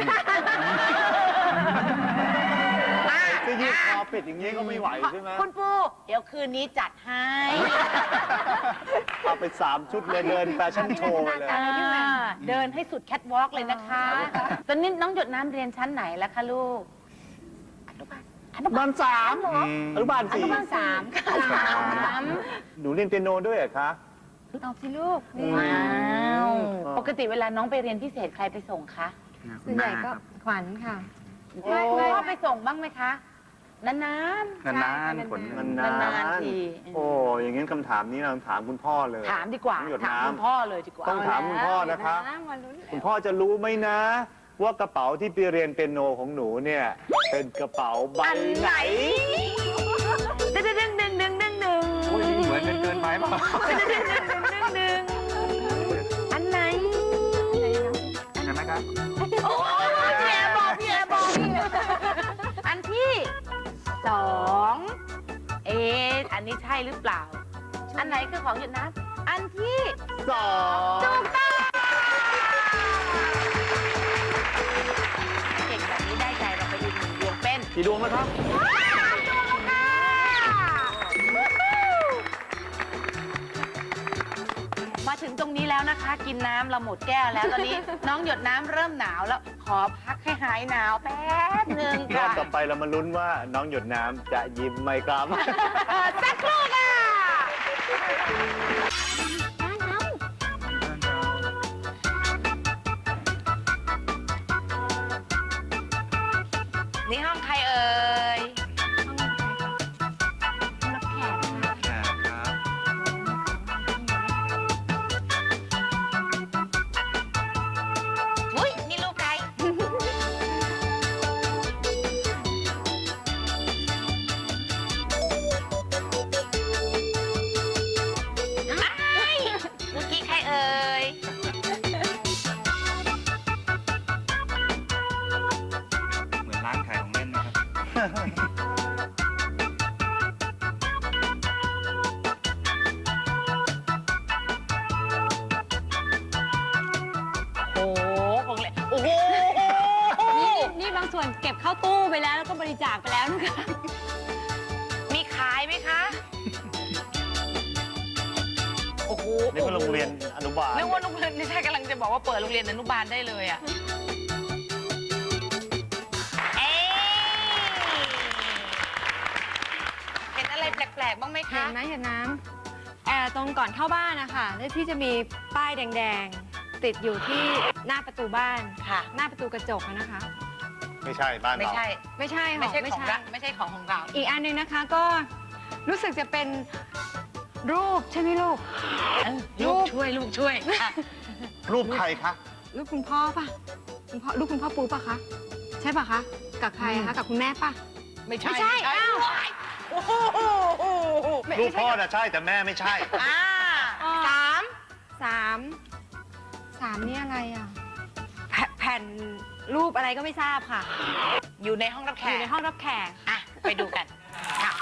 [SPEAKER 2] จะยืดคอปิดอย่างนี้ก็ไม่ไหวใช่ไหม
[SPEAKER 3] คุณปูเดี๋ยวคืนนี้จัดให้
[SPEAKER 2] เอาไป3 ชุดเลยเดินแฟชั่นโชว์เลย
[SPEAKER 3] เดินให้สุดแคทวอล์กเลยนะคะ ตอนนี้น้องหยดน้ำเรียนชั้นไหนแล้วคะลูก
[SPEAKER 2] อนุบาล3อนุบาล
[SPEAKER 3] อนุบาล
[SPEAKER 2] 4
[SPEAKER 3] 3ค่ะ
[SPEAKER 2] หนูเรียนเปียโนด้วยเหรอคะ
[SPEAKER 4] ตอบสิลูกนี่
[SPEAKER 3] ว้าวปกติเวลาน้องไปเรียนพิเศษใครไปส่งคะ
[SPEAKER 4] ส่วนใหญ่ก็ขวัญค่ะ
[SPEAKER 3] พ่อไปส่งบ้างไหมคะ นาน
[SPEAKER 5] นานๆผล
[SPEAKER 2] นาน
[SPEAKER 3] นานๆที
[SPEAKER 2] โอ้อย่างงี้คำถามนี้เราถามคุณพ่อเลย
[SPEAKER 3] ๆถามดีกว่า
[SPEAKER 2] น้องหยด
[SPEAKER 3] ถาม
[SPEAKER 2] น้ำ
[SPEAKER 3] คุณพ่อเลยดีกว่า
[SPEAKER 2] ต้องถามคุณพ่อนะคะ
[SPEAKER 4] มาลุ้น
[SPEAKER 2] คุณพ่อจะรู้ไหมนะ ว่ากระเป๋าที่ไปเรียนเปียโนของหนูเนี่ย เป็นกระเป๋าใบ
[SPEAKER 3] อัน
[SPEAKER 2] ไห
[SPEAKER 3] ไห
[SPEAKER 2] น
[SPEAKER 3] นดึงดึงดึงดึงดึงดึง
[SPEAKER 5] โอ้ยเหมือนกันเกินไปเปล่า
[SPEAKER 3] ดึงอันไหน
[SPEAKER 5] เห็นไหมครับ
[SPEAKER 3] โอ้ยพี่แอร์บอกอันที่2อันนี้ใช่หรือเปล่า อันไหนคือของหยดน้ำอันที่
[SPEAKER 2] 2
[SPEAKER 3] ถูกต้องเก่งแบบนี้ได้ใจเราไปอีก1 ดวงเป็น
[SPEAKER 2] กี่ดวงแล้วครับ
[SPEAKER 3] มาถึงตรงนี้แล้วนะคะ กินน้ำเราหมดแก้วแล้วตอนนี้ น้องหยดน้ำเริ่มหนาวแล้ว ขอพักให้หายหนาวแป๊บหนึ่ง
[SPEAKER 2] รอ
[SPEAKER 3] ค่ะ
[SPEAKER 2] บต่อไปเรามาลุ้นว่าน้องหยดน้ำจะยิ้มไหมครับ
[SPEAKER 3] สักครู่ค่ะนี่ห้องใครเอ่ย
[SPEAKER 4] รับแขกค่ะ
[SPEAKER 5] ครับ
[SPEAKER 3] อุ้ยนี่ลูกใคร เมื่อกี้ใครเอ่ย
[SPEAKER 5] เหมือนร้านขายของเล่นนะครับ
[SPEAKER 3] โอ้โหของเล่นโอ้โห
[SPEAKER 4] นี่บางส่วนเก็บเข้าตู้ไปแล้วก็บริจาคไปแล้วนะคะ
[SPEAKER 3] มีขายไหมคะ โอ้โห
[SPEAKER 2] นี่ก็โรงเรียนอนุบาล
[SPEAKER 3] นึกว่าโรงเรียนไม่ใช่กำลังจะบอกว่าเปิดโรงเรียนอนุบาลได้เลยอ่ะ เอ๊ะเห็นอะไรแปลกๆบ้างไหม
[SPEAKER 4] เห็
[SPEAKER 3] คะ
[SPEAKER 4] นไหมเห็นน้ำตรงก่อนเข้าบ้านนะคะแล้วที่จะมีป้ายแดงๆ ติดอยู่ที่หน้าประตูบ้าน
[SPEAKER 3] ค่ะ
[SPEAKER 4] หน้าประตูกระจกอะนะคะ
[SPEAKER 2] ไม่ใช่บ้าน
[SPEAKER 3] ไม่
[SPEAKER 2] เรา
[SPEAKER 3] ใช่
[SPEAKER 4] ไม่ใช่
[SPEAKER 3] ไม่
[SPEAKER 4] ค่ะ
[SPEAKER 3] ใช่ของเราไม่ใช่ของเรา
[SPEAKER 4] อีกอันหนึงนะคะก็รู้สึกจะเป็นรูปใช่ไหมลูก
[SPEAKER 3] ลูกช่วยค่ะ
[SPEAKER 2] รูปใครคะ
[SPEAKER 4] รูปคุณพ่อป่ะลูกคุณพ่อปูปะคะใช่ปะคะกับใครอะคะกับคุณแม่ปะ
[SPEAKER 3] ไม่ใช่
[SPEAKER 4] ไม่ใช่อ้าว
[SPEAKER 3] โอ้โห
[SPEAKER 2] ลูกพ่อน่ะใช่แต่แม่ไม่ใช่
[SPEAKER 3] อ่าสาม
[SPEAKER 4] สามนี่อะไรอ่ะแผ่นรูปอะไรก็ไม่ทราบค่ะ
[SPEAKER 3] อยู่ในห้องรับแข
[SPEAKER 4] อยู่
[SPEAKER 3] ก
[SPEAKER 4] ในห้องรับแขก
[SPEAKER 3] อ่ะไปดูกันค่ะ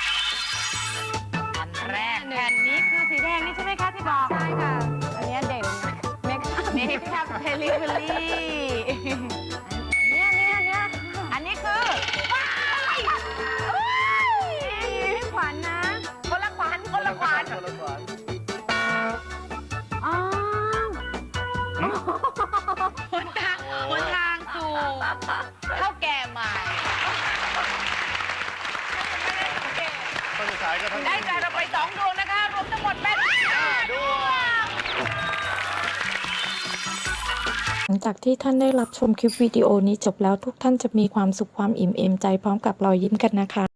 [SPEAKER 3] อันแรก
[SPEAKER 4] แผ่นนี้คือสีแดงนี่ใช่ไหมคะที่บอกใช่ค่ะ อันนี้เด่นเมคอัพเมคอัพเทลิเวอรี่เนี่ย
[SPEAKER 3] อันนี้คือว้าย
[SPEAKER 4] พี่ขวัญนะ
[SPEAKER 3] คนละขวัญคนละขวัญ
[SPEAKER 4] อ๋อ
[SPEAKER 3] หนทางสู่ข้าวแก่ใหม่
[SPEAKER 2] คนสุดท้ายก็ทั้ง
[SPEAKER 3] ได้ใจเราไป2 ดวงนะคะ รวมทั้งหมดเป็น5 ดวง
[SPEAKER 1] หลังจากที่ท่านได้รับชมคลิปวิดีโอนี้จบแล้วทุกท่านจะมีความสุขความอิ่มเอมใจพร้อมกับรอยยิ้มกันนะคะ